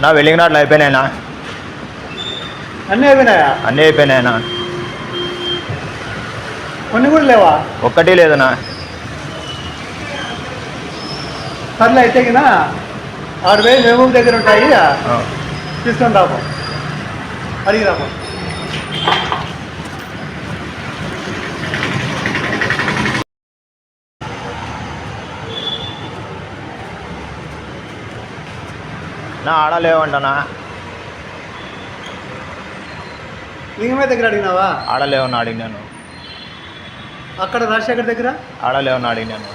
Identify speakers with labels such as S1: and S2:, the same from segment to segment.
S1: నా వెల్డింగ్ రాడ్లు అయిపోయినాయినా.
S2: అన్నీ అయిపోయినాయా?
S1: అన్నీ అయిపోయినాయినా.
S2: కొన్ని కూడా లేవా?
S1: ఒక్కటి లేదనా.
S2: సర్లే అయితే కినా ఆడు పోయి మెహబూబ్ దగ్గర ఉంటాయి, తీసుకొని రాము, అడిగి రాము.
S1: నా ఆడ లేవంటనా.
S2: లింగమే దగ్గర అడిగినావా?
S1: ఆడలేవని అడిగినాను.
S2: అక్కడ రాజశేఖర్ దగ్గర
S1: ఆడలేవని అడిగినాను.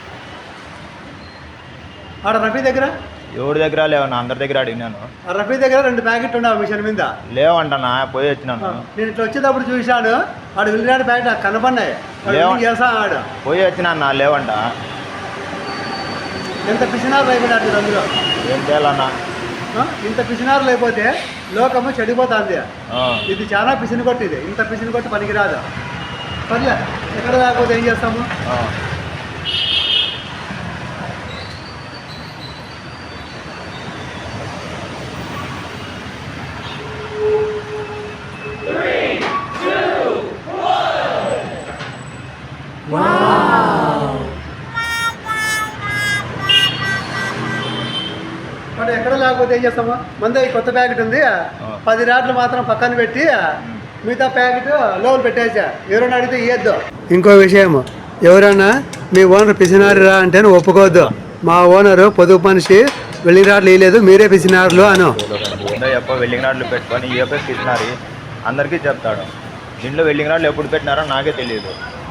S2: ఆడ రఫీ దగ్గర
S1: ఎవరి దగ్గర లేవన్నా, అందరి దగ్గర అడిగినాను.
S2: ఆ రఫీ దగ్గర 2 ప్యాకెట్లు ఉండవు మిషన్ మీద.
S1: లేవంటనా, పోయి వచ్చినాను.
S2: నేను ఇట్లా వచ్చేటప్పుడు చూశాడు, ఆడు వెళ్ళినాడు ప్యాకెట్ నాకు కనపడినాయి. చేస్తా ఆడు
S1: పోయి వచ్చినా, లేవంట.
S2: ఎంత పిసినారు అయిపోయినట్టు అందులో.
S1: ఏం చేయాలన్నా?
S2: ఇంత పిసినారు లేకపోతే లోకము చెడిపోతుంది. ఇది చాలా పిసిని కొట్టి, ఇది ఇంత పిసిని కొట్టి పనికిరాదు. సర్లే, ఎక్కడ లేకపోతే ఏం చేస్తాము. మరి ఎక్కడ లేకపోతే ఏం చేస్తాము. మంది కొత్త ప్యాకెట్ ఉంది, 10 రాడ్లు మాత్రం పక్కన పెట్టి మిగతా ప్యాకెట్ లోపల పెట్టేసా. ఎవరైనా అడిగితే ఇయ్యద్దు. ఇంకో విషయం, ఎవరైనా మీ ఓనర్ పిసినారురా అంటే ఒప్పుకోవద్దు. మా ఓనరు పొదుపు మనిషి, వెల్డింగ్ రాడ్లు వేయలేదు, మీరే పిసినారులు అను.
S1: వెల్డింగ్ రాడ్లు పెట్టుకొని పిసినారి అందరికీ చెప్తాడు. దీంట్లో వెల్డింగ్ రాడ్లు ఎప్పుడు పెట్టినారో నాకే తెలియదు.